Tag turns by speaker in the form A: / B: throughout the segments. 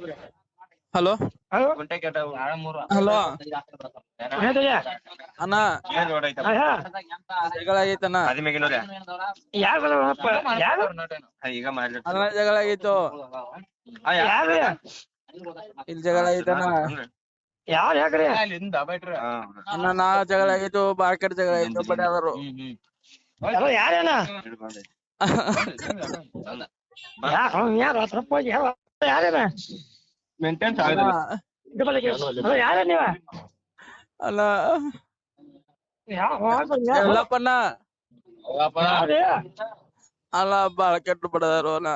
A: Hello
B: hello
A: hello
B: ಏನಯ್ಯ?
A: ಅಣ್ಣ ಜಗಳ ಆಗೈತಣ್ಣ.
B: ಯಾರು ಬರೋಣಪ್ಪ? ಯಾರು?
A: ಅಣ್ಣ ಜಗಳ ಆಗೈತು.
B: ಯಾರು?
A: ಇಲ್ಲಿ ಜಗಳ ಆಗೈತಣ್ಣ.
B: ಯಾರು ಯಾಕ್ರಿ?
A: ಅಣ್ಣ ನಾ ಜಗಳ ಆಗೈತು, ಮಾರ್ಕೆಟ್ ಜಗಳ ಆಗೈತು, ಬಡಿಯಾದರು.
B: ಹಲೋ ಯಾರೇನ? ಯಾರು ಸ್ವಲ್ಪ ಯಾರೇನ? ಹಲೋ ಯಾರ ನೀವ?
A: ಅಣ್ಣ
B: ಯಾವ
A: ಎಲ್ಲಪ್ಪಣ್ಣ
B: ಯಾರು?
A: ಅಲ್ಲ ಬಾಳ ಕೆಟ್ಟು ಬಡದಾರು ಅಣ್ಣ,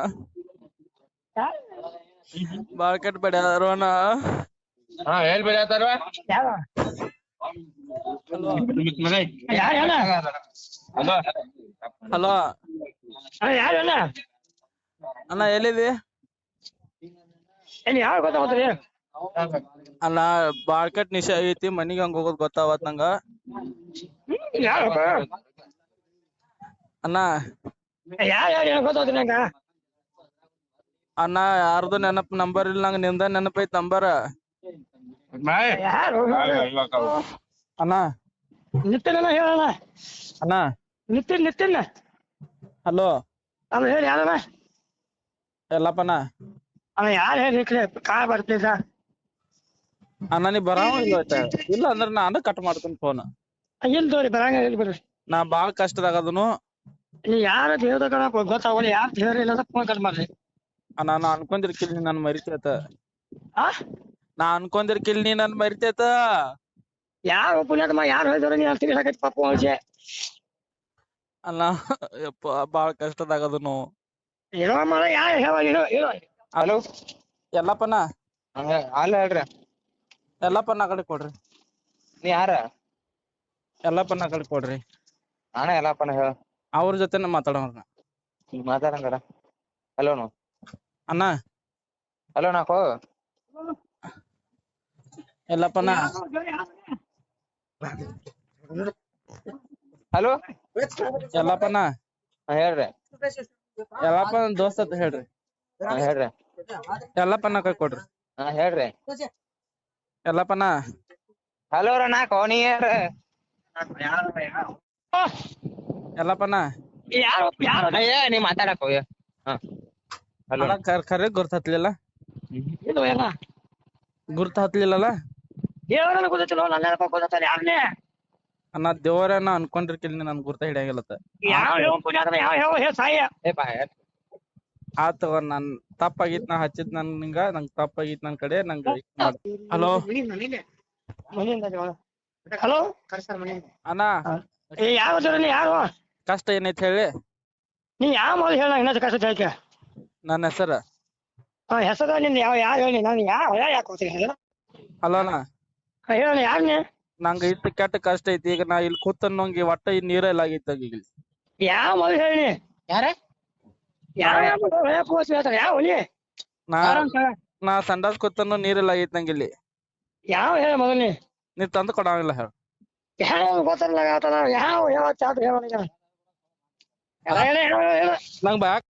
A: ಬಾಳ ಕೆಟ್ಟು ಬಡಿಯಾದರು ಅಣ್ಣ.
B: ಯಾವ
A: ಹಲೋ
B: ಯಾರೇನ?
A: ಅಣ್ಣ ಎಲ್ಲಿದಿ?
B: ಏನ್ ಯಾವ ಗೊತ್ತಾಗ್ತದೆ?
A: ಅಣ್ಣ ಬಾಳ ಕೆಟ್ಟ ನಿಶೆ ಆಗೈತಿ, ಮನಿಗೆ ಹಂಗ ಹೋಗೋದ್ ಗೊತ್ತಾವತ್ ನಂಗ.
B: ಯಾರಪ್ಪ?
A: ಅಣ್ಣ
B: ಯಾರು ಗೊತ್ತಾಗ್ತದೆ ನಂಗ?
A: ಅಣ್ಣ ಯಾರ್ದು ನೆನಪ್ ನಂಬರ್ ಇಲ್ಲ ನಂಗ, ನಿಂದ ನೆನಪೈತ್ ನಂಬರ್.
B: ಯಾರು?
A: ಅಣ್ಣ
B: ನಿತ್ಯನ ಹೇಳಣ.
A: ಅಣ್ಣ
B: ನಿತ್ಯನ್
A: ಹಲೋ
B: ಅಲ್ಲ ಹೇಳಿ ಯಾರಣ್ಣ?
A: ಎಲ್ಲಪ್ಪಣ್ಣ.
B: ಅಲ್ಲ ಯಾರು ಹೇಳಿ ಕಾಳ ಬರ್ತಿದ್ದ?
A: ಅಣ್ಣ ನೀ ಬರಾವ ಇಲ್ಲ ಅಂದ್ರ ನಾನು ಕಟ್ ಮಾಡ್ತೀನಿ ಫೋನ್.
B: ಇಲ್ಲಿ ತೋರಿ ಬರಂಗ ಇಲ್ಲಿ ಬರ್ರಿ.
A: ನಾ ಬಾಳ ಕಷ್ಟದಾಗದನು.
B: ನೀ ಯಾರ ಹೇಳ್ದ ಗೊತ್ತಾಗಲ್ಲ, ಯಾರು ಹೇಳಿಲ್ಲ ಫೋನ್ ಕಟ್ ಮಾಡ್ರಿ.
A: ನಾನು ಅನ್ಕೊಂಡಿರ್ಕಿಲ್ ನೀ ನನ್ ಮರಿತೇತ.
B: ಆ
A: ನಾ ಅನ್ಕೊಂಡಿರ್ಕಿಲ್ ನೀ ನನ್ ಮರಿತೇತ.
B: ಯಾರು ಪುಣ್ಯಾತ್ಮ ಯಾರು ಹೇಳಿದ್ರು ನೀ ತಿಳಿಸಾಕೈತಿ ಪಾಪ ವಿಷಯ.
A: ಅಲ್ಲ ಯಪ್ಪ ಬಾಳ ಕಷ್ಟದಾಗದನು.
B: ಏನೋ ಮಾಡ ಯಾರು ಹೇಳೋ.
A: ಹಲೋ ಎಲ್ಲಪ್ಪಣ್ಣ.
C: ಅಲ್ಲ ಹೇಳ್ರಿ.
A: ಎಲ್ಲಪ್ಪಣ್ಣ ಆ ಕಡೆ ಕೊಡ್ರಿ.
C: ನೀ ಯಾರ?
A: ಎಲ್ಲಪ್ಪಣ್ಣ ಆ ಕಡೆ ಕೊಡ್ರಿ.
C: ನಾನೇ ಎಲ್ಲಪ್ಪನ ಹೇಳ.
A: ಅವ್ರ ಜೊತೆನ ಮಾತಾಡೋಣ.
C: ಮಾತಾಡಂಗಡ. ಹಲೋನು
A: ಅಣ್ಣ
C: ಹಲೋ ನಾಕೋ
A: ಎಲ್ಲಪ್ಪಣ್ಣ.
C: ಹಲೋ
A: ಎಲ್ಲಪ್ಪಣ್ಣ
C: ಹೇಳ್ರಿ.
A: ಎಲ್ಲಪ್ಪ ದೋಸ್ತ ಅಂತ ಹೇಳ್ರಿ.
C: ಹೇಳ್ರಿ.
A: ಎಲ್ಲಪ್ಪಣ್ಣ ಕೈ ಕೊಡ್ರಿ.
C: ಹೇಳ್ರಿ.
A: ಎಲ್ಲಪ್ಪಣ್ಣ.
C: ಹಲೋ ರ ನಾಕೋ ನೀ ಯಾರ?
A: ಎಲ್ಲಪ್ಪಣ್ಣ
C: ನೀ ಮಾತಾಡಕೋ. ಹಲೋ
A: ಖರೆ ಗುರ್ತ ಹತ್ಲಿಲ್ಲ.
B: ಇದು ಎಲ್ಲ
A: ಗುರ್ತ ಹತ್ಲಿಲ್ಲಲ್ಲ.
B: ದೇವರನ್ನ ಗೊತ್ತಿಲ್ಲ, ನನ್ನ ಗೊತ್ತಾರ ಯಾರನ್ನೇ?
A: ಅಣ್ಣ ದೇವರನ್ನ ಅನ್ಕೊಂಡಿರ್ಕಿಲ್ ನನ್ ಗುರ್ತ ಹಿಡಿಯಂಗಿಲ್ಲತ್ತ.
B: ಯಾವ ಪುಣ್ಯಾತ್ಮ ಯಾವ ಸಾಯ
A: ಆತ ನನ್ ತಪ್ಪಾಗಿತ್, ನಾ ಹಚ್ಚಿದ್ ನಿಂಗ, ನಂಗ್ ತಪ್ಪಾಗಿತ್ ನನ್ ಕಡೆ ನಂಗ. ಹಲೋ
B: ಹಲೋ
A: ಅಣ್ಣ
B: ಯಾವ ಯಾರು?
A: ಕಷ್ಟ ಏನೈತ್ ಹೇಳಿ.
B: ನೀ ಯಾವ ಮೊದಲು ಹೇಳ ಇನ್ನೊಂದು ಕಷ್ಟ ಹೇಳ್ಕೆ.
A: ನನ್ನ ಹೆಸರ
B: ಹೆಸರು ನಿಂದ ಯಾವ ಹೇಳಿ ನಾನು ಯಾವ ಯಾಕೆ ಹೋಗ್ತೀನಿ?
A: ಹಲೋ ಅಣ್ಣ
B: ಹೇಳ ಯಾರನ್ನೇ?
A: ನಂಗ ಇಟ್ಟು ಕೆಟ್ಟ ಕಷ್ಟ ಐತಿ. ಈಗ ನಾ ಇಲ್ಲಿ ಕೂತನ್ನೋಂಗಿ ಒಟ್ಟ ಈ ನೀರ ಎಲ್ಲ ಆಗೈತಿ ಈಗ.
B: ಯಾವ ಮೊದಲು ಹೇಳಿ?
C: ಯಾರ?
B: ಯಾವ
A: ನಾ ಸಂಡಾಸ್ ಕೂತನ್ನು ನೀರೆಲ್ಲ ಆಗೈತಿ ನಂಗೆ ಇಲ್ಲಿ.
B: ಯಾವ ಹೇಳ ಮೊದಲನೇ?
A: ನೀ ತಂದು ಕೊಡಂಗಿಲ್ಲ ಹೇಳ.
B: ಯಾವ ಗೊತ್ತಲ್ಲ ಯಾವ ಹೇಳ ನಂಗ್